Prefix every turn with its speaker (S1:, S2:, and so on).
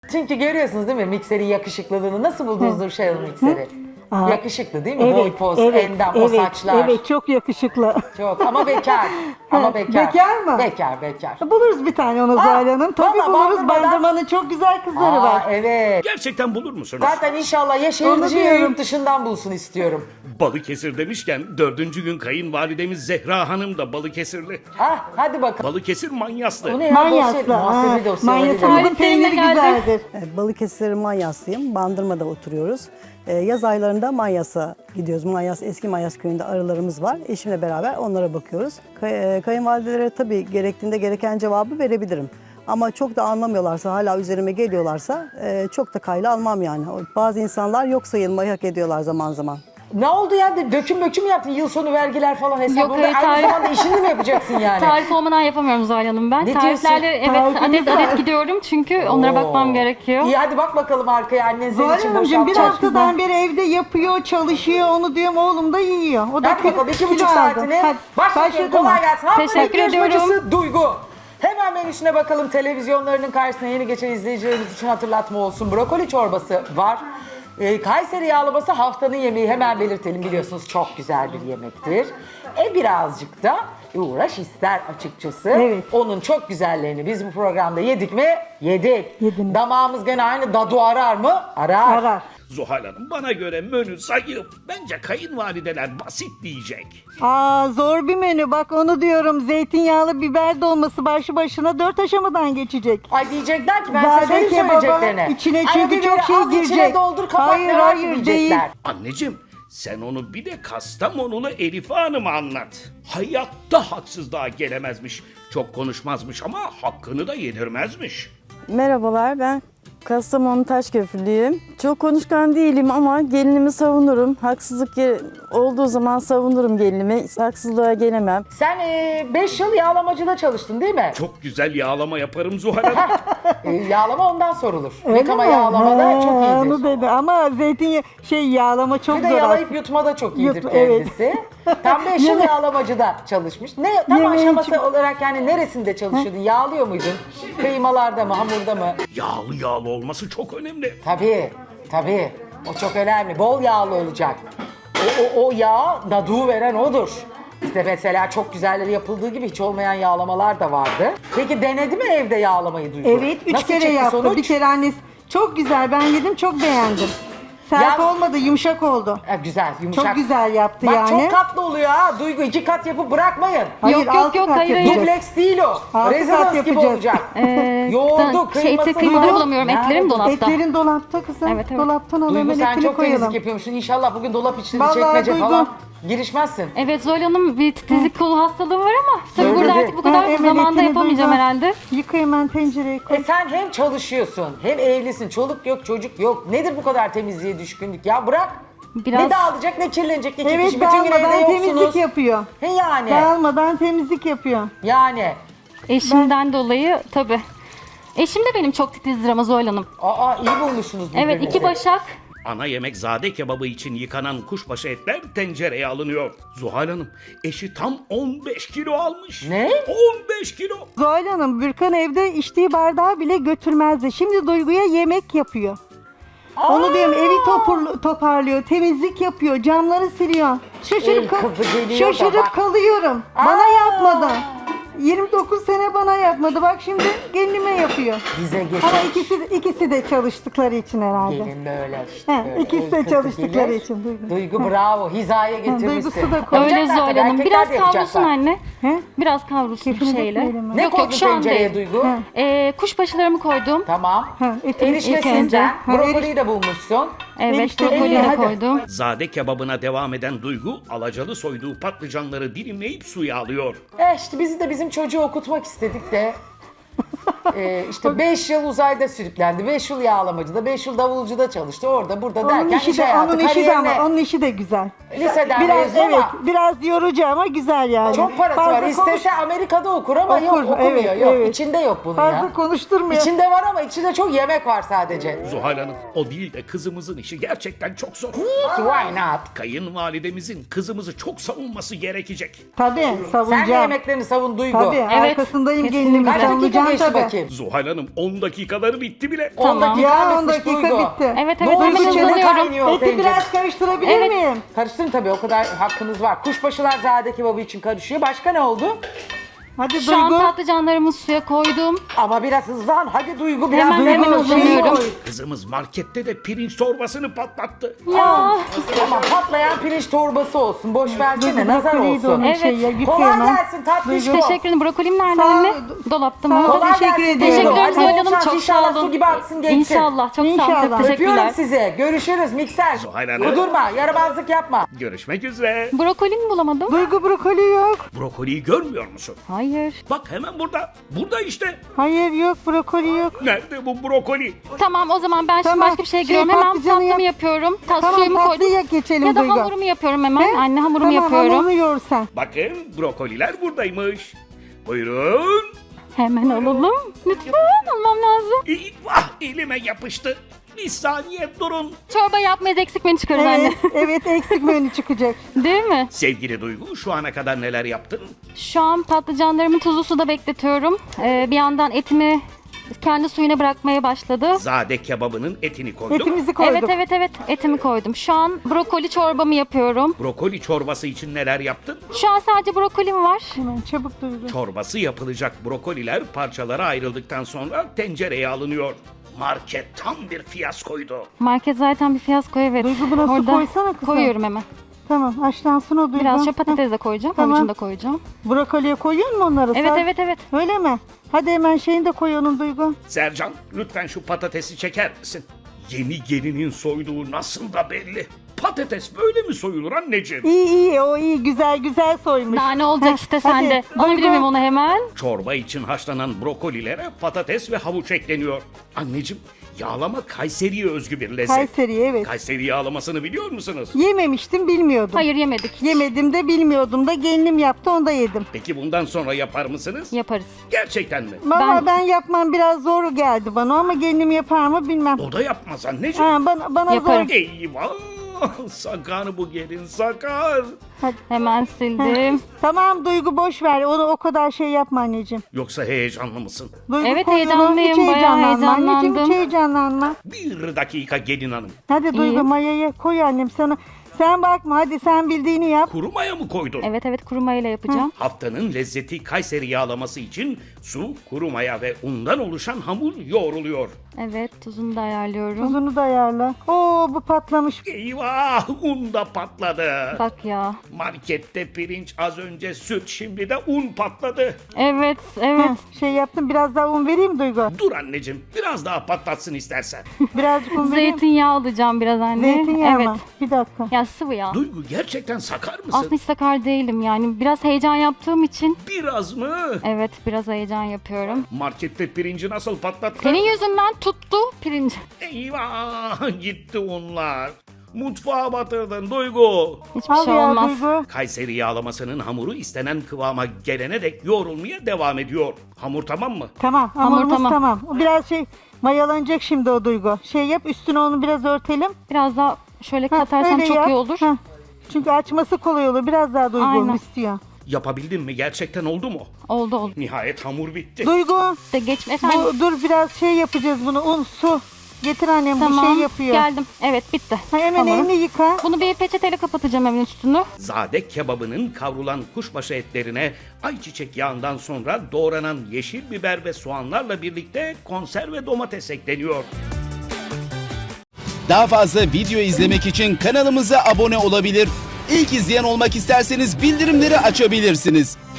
S1: Çünkü görüyorsunuz değil mi mikserin yakışıklılığını. Nasıl buldunuz Nurşen Hanım mikseri?
S2: Aa,
S1: Yakışıklı değil mi? Boy poz, endam, o saçlar.
S2: Evet, çok yakışıklı.
S1: Çok ama bekar. Ama bekar.
S2: Bekar mı?
S1: Bekar.
S2: Buluruz bir tane onu Zuhal Hanım. Tabii
S1: vallahi
S2: buluruz.
S1: Bandırma'dan-
S2: Bandırmanın çok güzel kızları var.
S1: Evet.
S3: Gerçekten bulur musunuz?
S1: Zaten inşallah ya şehir
S2: Onu
S1: dışı ya
S2: diyorum.
S1: yurt dışından bulsun istiyorum.
S3: Balıkesir demişken 4. gün kayınvalidemiz Zehra Hanım da Balıkesirli.
S1: Hadi bakalım.
S3: Balıkesir Manyaslı.
S1: Bu ne ya?
S2: Manyaslı.
S1: Muhasebe dosyaları.
S2: Manyasımızın peyniri güzeldir.
S4: Balıkesir Manyaslıyım. Bandırma'da oturuyoruz. Yaz aylarında Manyas'a gidiyoruz. Eski Manyas köyünde arılarımız var. Eşimle beraber onlara bakıyoruz. Kayınvalidelere tabii gerektiğinde gereken cevabı verebilirim. Ama çok da anlamıyorlarsa, hala üzerime geliyorlarsa çok da kayla almam yani. Bazı insanlar yok sayılmayı hak ediyorlar zaman zaman.
S1: Ne oldu ya? Döküm yaptın. Yıl sonu vergiler falan hesap.
S5: Yok,
S1: Burada
S5: hayır,
S1: aynı
S5: tarih-
S1: zamanda işini mi yapacaksın yani?
S5: Tarif olmadan yapamıyorum Zuhal Hanım ben.
S1: Ne
S5: Tariflerle
S1: diyorsun?
S5: evet
S2: Tarifimiz
S5: adet
S2: var.
S5: gidiyorum çünkü onlara bakmam gerekiyor.
S1: İyi hadi bak bakalım arkaya annen senin
S2: Zuhal
S1: için
S2: Hanımcığım bir
S1: boşaltacak.
S2: haftadan beri evde yapıyor, çalışıyor. Onu diyorum oğlum da yiyor. O da
S1: Hadi bakalım 2,5
S2: kilo aldı.
S1: saatini.
S2: Hadi,
S1: Başlayalım.
S2: başladı
S1: Kolay
S2: mı?
S1: gelsin. Haftanın
S5: Teşekkür
S1: yarışmacısı
S5: ediyorum.
S1: Duygu. Hemen menüsüne bakalım. Televizyonlarının karşısına yeni geçen izleyicilerimiz için hatırlatma olsun. Brokoli çorbası var. Kayseri yağlaması haftanın yemeği, hemen belirtelim, biliyorsunuz çok güzel bir yemektir. Birazcık da uğraş ister açıkçası.
S2: Evet.
S1: Onun çok güzellerini biz bu programda yedik mi? Yedik.
S2: Yediniz.
S1: Damağımız gene aynı dadu arar mı? Arar.
S2: Arar.
S3: Zuhal Hanım bana göre menü zayıf. Bence kayınvalideler basit diyecek.
S2: Zor bir menü, bak onu diyorum. Zeytinyağlı biber dolması başlı başına 4 aşamadan geçecek.
S1: Ay diyecekler ki ben
S2: Zade
S1: size benim
S2: kebaba,
S1: söyleyeceklerini.
S2: içine
S1: Ay
S2: çünkü
S1: bir
S2: çok
S1: böyle
S2: şey
S1: al, içine
S2: girecek.
S1: doldur kapat
S2: Hayır,
S1: ne var ki
S2: hayır,
S1: diyecekler.
S2: değil.
S3: Anneciğim sen onu bir de Kastamonulu Elife Hanım'a anlat. Hayatta haksızlığa gelemezmiş. Çok konuşmazmış ama hakkını da yedirmezmiş.
S6: Merhabalar, ben Kastamonu Taşköprülüyüm. Çok konuşkan değilim ama gelinimi savunurum. Olduğu zaman savunurum gelinimi. Haksızlığa gelemem.
S1: Sen 5 yıl yağlamacıda çalıştın değil mi?
S3: Çok güzel yağlama yaparım Zuhal Hanım.
S1: Yağlama ondan sorulur.
S2: Öyle
S1: Yıkama
S2: mi?
S1: yağlamada çok iyidir.
S2: Onu dedi ama yağlama çok
S1: Bir de
S2: zor
S1: yalayıp yutma da çok iyidir
S2: evet.
S1: kendisi. Tam 5 yıl yağlamacıda çalışmış. Tam
S2: Yemeği
S1: aşaması olarak yani neresinde çalışıyordun? Yağlıyor muydun? Kıymalarda mı, hamurda mı?
S3: Yağlı olması çok önemli.
S1: Tabii. O çok önemli. Bol yağlı olacak. O yağ daduğu veren odur. Bizde mesela çok güzelleri yapıldığı gibi hiç olmayan yağlamalar da vardı. Peki denedi mi evde yağlamayı Duygu?
S2: Evet, 3
S1: Nasıl
S2: kere
S1: çıktı
S2: yaptı.
S1: sonuç?
S2: Bir kere annesi. Çok güzel, ben yedim, çok beğendim. Sert
S1: Ya-
S2: olmadı, yumuşak oldu.
S1: Güzel, yumuşak.
S2: Çok güzel yaptı
S1: Bak
S2: yani.
S1: çok katlı oluyor ha Duygu. 2 kat yapıp bırakmayın.
S2: Hayır,
S5: Yok,
S2: 6
S5: yok,
S2: kat
S5: hayır,
S2: yapacağız.
S1: Dubleks değil o.
S2: Altı
S1: Rezidans
S2: kat
S1: gibi
S2: yapacağız.
S1: olacak. Yoğurdu, kıyması.
S5: Kıymada bulamıyorum. Etlerim dolapta.
S2: Etlerin dolapta kızım.
S5: Evet, evet.
S2: Dolaptan al,
S1: Duygu
S2: hemen
S1: sen
S2: etini
S1: çok
S2: koyalım.
S1: temizlik yapıyormuşsun. İnşallah bugün dolap içleri
S2: Vallahi
S1: çekmece
S2: Duygu.
S1: falan girişmezsin.
S5: Evet Zuhal Hanım bir titizlik kolu hastalığı var ama tabii
S1: Söyledi.
S5: burada artık bu kadar
S2: Hemen
S5: zamanda
S2: etini
S5: yapamayacağım
S2: Duygu.
S5: herhalde.
S2: Yıka hemen tencereye koy.
S1: Sen hem çalışıyorsun hem evlisin. Çoluk yok çocuk yok. Nedir bu kadar temizliğe düşkünlük ya bırak.
S5: Biraz
S1: Ne dağılacak ne kirlenecek. İki
S2: Evet,
S1: kişi bütün gün evde
S2: dağılmadan temizlik
S1: yoksunuz.
S2: yapıyor.
S1: Yani.
S2: Dağılmadan temizlik yapıyor.
S1: Yani.
S5: eşimden dolayı tabii. Eşim de benim çok titizdir ama Zuhal Hanım.
S1: İyi bulmuşsunuz birbirinizi.
S5: Evet 2 başak.
S3: Ana yemek zade kebabı için yıkanan kuşbaşı etler tencereye alınıyor. Zuhal Hanım eşi tam 15 kilo almış.
S1: Ne?
S3: 15 kilo.
S2: Zuhal Hanım, Bürkan evde içtiği bardağı bile götürmezdi. Şimdi Duygu'ya yemek yapıyor. Onu diyorum, evi toparlıyor, temizlik yapıyor, camları siliyor.
S1: El kızı geliyor da
S2: Şaşırıp
S1: bak.
S2: kalıyorum. Bana yapmadı. 29 sene bana yapmadı. Bak şimdi gelinime yapıyor.
S1: Bize getir.
S2: Ama ikisi de çalıştıkları için herhalde.
S1: Gelin böyle işte.
S2: He,
S1: böyle
S2: ikisi
S1: el
S2: de
S1: kızı
S2: çalıştıkları
S1: gelir.
S2: için, Duygu.
S1: Duygu bravo. Hizaya getirmişsin.
S2: Duygusu da koy.
S5: Öyle
S1: Yapacaklar
S5: Zuhal
S1: tabii,
S5: Hanım.
S1: erkekler
S5: Biraz
S1: de
S5: kavrulsun
S1: yapacaklar.
S5: anne.
S2: He?
S5: Biraz kavrulsun
S2: Kefini
S5: şeyle.
S2: dökmeyelim.
S1: Ne
S5: Yok
S1: koydun
S5: yok şu an
S1: tencereye
S5: değil.
S1: Duygu?
S5: Kuşbaşılarımı koydum.
S1: Tamam.
S2: etini
S1: Eriştesinden
S2: Ha,
S1: brokoliyi de bulmuşsun.
S5: Evet
S2: Erişte-
S5: brokoli de
S1: Hadi.
S5: koydum.
S3: Zade kebabına devam eden Duygu alacalı soyduğu patlıcanları dilimleyip suya alıyor.
S1: İşte bizi de bizim çocuğu okutmak istedik de. İşte 5 yıl uzayda sürüklendi. 5 yıl yağlamacıda, 5 yıl davulcuda çalıştı. Orada burada
S2: Onun
S1: derken
S2: işi
S1: iş
S2: de,
S1: hayatı,
S2: onun işi de
S1: kariyerine
S2: ama onun işi de güzel.
S1: liseden
S2: Biraz
S1: mezun ama
S2: biraz yorucu ama güzel yani.
S1: çok parası
S2: Fazla
S1: var. İstese Amerika'da okur ama yok
S2: Okur,
S1: okumuyor.
S2: evet,
S1: Yok
S2: evet.
S1: içinde yok bunun
S2: Fazla
S1: ya.
S2: konuşturmuyor.
S1: İçinde var ama içinde çok yemek var sadece.
S3: Zuhal Hanım o değil de kızımızın işi gerçekten çok zor.
S1: Why not?
S3: Kayınvalidemizin kızımızı çok savunması gerekecek.
S2: Tabii
S1: Sen de
S2: savunacağım.
S1: yemeklerini savun Duygu.
S2: Tabii
S5: Evet,
S2: arkasındayım
S5: kesinlikle.
S2: gelinimi
S1: Kaç dakika
S2: savunacağım
S1: geçti
S2: tabii.
S1: bakayım.
S3: Zuhal Hanım 10 dakikaları bitti bile.
S1: 10
S5: Tamam.
S1: dakika
S2: Ya 10
S1: bitmiş
S2: dakika
S1: Duygu.
S2: bitti.
S5: Evet
S1: Ne
S5: evet
S1: oldu
S5: hemen
S1: içeri
S5: hazırlıyorum.
S1: kaynıyor
S2: Eti
S1: tencere.
S2: biraz karıştırabilir
S5: Evet.
S2: miyim?
S1: Karıştırın tabii, o kadar hakkınız var. Kuşbaşılar zade kebabı için karışıyor. Başka ne oldu?
S2: Hadi
S5: Şu an
S2: Duygu.
S5: patlıcanlarımı suya koydum.
S1: Ama biraz hızlan. Hadi Duygu biraz.
S5: Hemen
S1: Duygu,
S5: hazırlıyorum.
S1: koy.
S3: Kızımız markette de pirinç torbasını patlattı.
S5: Ya
S1: Tamam, patlayan pirinç torbası olsun. Boş versene,
S2: Duygu
S1: nazar
S2: brokoliydi
S1: olsun.
S2: onun
S5: Evet.
S2: şey ya,
S1: Kolay
S2: yıkayamam.
S1: gelsin tatlışko.
S5: teşekkür ederim. Brokolim nerede
S2: Sağ ol.
S5: anne? Dolapta mı?
S1: Kolay
S2: Teşekkür
S1: gelsin.
S2: ediyorum.
S5: Teşekkür ederim
S1: Hadi
S5: Zuhal
S1: bol
S5: Hanım.
S1: şans,
S5: Çok
S1: İnşallah
S5: sağ olun.
S1: su gibi aksın geçsin.
S5: İnşallah. Çok sağ olun.
S2: İnşallah.
S5: Çok teşekkürler.
S1: Öpüyorum sizi. Görüşürüz mikser.
S3: Zuhal Hanım.
S1: Kudurma, yaramazlık yapma.
S3: Görüşmek üzere.
S5: Brokoli mi bulamadım?
S2: Duygu brokoli yok.
S3: Brokoliyi görmüyor musun?
S5: Hayır.
S3: Bak hemen burada. Burada işte.
S2: Hayır yok brokoli yok.
S3: Nerede bu brokoli?
S5: Tamam o zaman ben şimdi
S2: Tamam.
S5: başka bir şeye
S2: Şey,
S5: giriyorum. Hemen
S2: patlıcanı
S5: tatlımı
S2: yap.
S5: yapıyorum.
S2: Tamam
S5: Suyumu koydum.
S2: tatlıya geçelim
S5: Ya da
S2: Duygu.
S5: hamurumu yapıyorum hemen.
S2: He?
S5: Anne hamurumu
S2: Tamam,
S5: yapıyorum.
S2: hamurunu yoğur sen.
S3: Bakın brokoliler buradaymış. Buyurun.
S5: Hemen alalım. Lütfen almam lazım.
S3: Vah elime yapıştı. Bir saniye durun.
S5: Çorba yapmayız eksik menü çıkarız anne.
S2: Evet, evet eksik menü çıkacak.
S5: Değil mi?
S3: Sevgili Duygu şu ana kadar neler yaptın?
S5: Şu an patlıcanlarımı tuzlu suda bekletiyorum. Bir yandan etimi kendi suyuna bırakmaya başladı.
S3: Zade kebabının etini koydum.
S2: Etimizi koyduk.
S5: Evet etimi koydum. Şu an brokoli çorbamı yapıyorum.
S3: Brokoli çorbası için neler yaptın?
S5: Şu an sadece brokolim var.
S2: Hemen çabuk Duygu.
S3: Çorbası yapılacak brokoliler parçalara ayrıldıktan sonra tencereye alınıyor. Market tam bir fiyaskoydu.
S5: Market zaten bir fiyasko evet.
S2: Duygu, buna su
S5: Orada
S2: koysana kızım.
S5: koyuyorum hemen.
S2: Tamam haşlansın o Duygu.
S5: Biraz şu
S2: Heh.
S5: patates de koyacağım.
S2: Tamam.
S5: Havucunu da koyacağım.
S2: Brokoliye koyuyor mu onları?
S5: Evet evet.
S2: Öyle mi? Hadi hemen şeyini de koy onun Duygu.
S3: Sercan lütfen şu patatesi çeker misin? Yeni gelinin soyduğu nasıl da belli. Patates böyle mi soyulur anneciğim?
S2: İyi o iyi güzel güzel soymuş.
S5: Daha ne olacak
S2: Heh,
S5: işte
S2: hadi.
S5: sende. Alabilir
S2: Duygu,
S5: miyim onu hemen?
S3: Çorba için haşlanan brokolilere patates ve havuç ekleniyor. Anneciğim yağlama Kayseri'ye özgü bir lezzet.
S2: Kayseri evet.
S3: Kayseri yağlamasını biliyor musunuz?
S2: Yememiştim bilmiyordum.
S5: Hayır yemedik.
S2: Yemedim de bilmiyordum da gelinim yaptı onu da yedim.
S3: Peki bundan sonra yapar mısınız?
S5: Yaparız.
S3: Gerçekten mi?
S2: Valla ben yapmam biraz zor geldi bana ama gelinim yapar mı bilmem.
S3: O da yapmaz anneciğim.
S2: Ha, bana
S5: Yaparım.
S2: zor.
S3: Eyvah! Sakar bu gelin sakar.
S5: Hemen sildim.
S2: Tamam Duygu boş ver onu o kadar şey yapma anneciğim.
S3: Yoksa heyecanlı mısın?
S2: Duygu
S5: Evet,
S2: koy onu,
S5: heyecanlıyım,
S2: hiç
S5: bayağı
S2: heyecanlanma anneciğim hiç
S5: heyecanlandım.
S2: heyecanlanma.
S3: Bir dakika gelin hanım.
S2: Hadi Duygu
S5: İyi.
S2: mayayı koy annem sana. Sen bakma hadi sen bildiğini yap.
S3: Kuru maya mı koydun?
S5: Evet kuru mayayla yapacağım.
S3: Haftanın lezzeti Kayseri yağlaması için su, kuru maya ve undan oluşan hamur yoğruluyor.
S5: Evet tuzunu da ayarlıyorum.
S2: Tuzunu da ayarla. Oo bu patlamış.
S3: Eyvah! Un da patladı.
S5: Bak ya.
S3: Markette pirinç az önce süt şimdi de un patladı.
S5: Evet.
S2: Şey yaptım biraz daha un vereyim Duygu.
S3: Dur anneciğim biraz daha patlatsın istersen.
S2: Birazcık un vereyim.
S5: Zeytinyağı alacağım biraz anne.
S2: Zeytinyağı
S5: Evet.
S2: mı? Bir dakika.
S5: Ya sıvı yağ.
S3: Duygu gerçekten sakar mısın?
S5: Aslında hiç sakar değilim yani. Biraz heyecan yaptığım için.
S3: Biraz mı?
S5: Evet biraz heyecan yapıyorum.
S3: Markette pirinci nasıl patlattı?
S5: Senin yüzünden tuttu pirinç.
S3: Eyvah! Gitti unlar. Mutfağa batırdın Duygu.
S5: Hiçbir
S2: Al
S5: şey
S2: ya
S5: olmaz.
S2: Duygu.
S3: Kayseri yağlamasının hamuru istenen kıvama gelene dek yoğrulmaya devam ediyor. Hamur tamam mı?
S2: Tamam
S5: Hamur
S2: hamurumuz
S5: tamam.
S2: tamam. O biraz şey mayalanacak şimdi o Duygu. Şey yap üstüne onu biraz örtelim.
S5: Biraz daha şöyle
S2: Heh,
S5: katarsam
S2: öyle
S5: çok
S2: yap.
S5: iyi olur.
S2: Heh. Çünkü açması kolay olur. Biraz daha Duygu
S5: Aynen.
S2: istiyor.
S3: Yapabildin mi? Gerçekten oldu mu?
S5: Oldu.
S3: Nihayet hamur bitti.
S2: Duygu
S5: De geç efendim.
S2: dur biraz şey yapacağız bunu un su. Getir annem bu
S5: Tamam.
S2: şey yapıyor.
S5: Geldim. Evet bitti.
S2: Ha, hemen
S5: Hamurum.
S2: elini yıka.
S5: Bunu bir peçeteyle kapatacağım evin üstünü.
S3: Zade kebabının kavrulan kuşbaşı etlerine ayçiçek yağından sonra doğranan yeşil biber ve soğanlarla birlikte konserve domates ekleniyor.
S7: Daha fazla video izlemek için kanalımıza abone olabilir. İlk izleyen olmak isterseniz bildirimleri açabilirsiniz.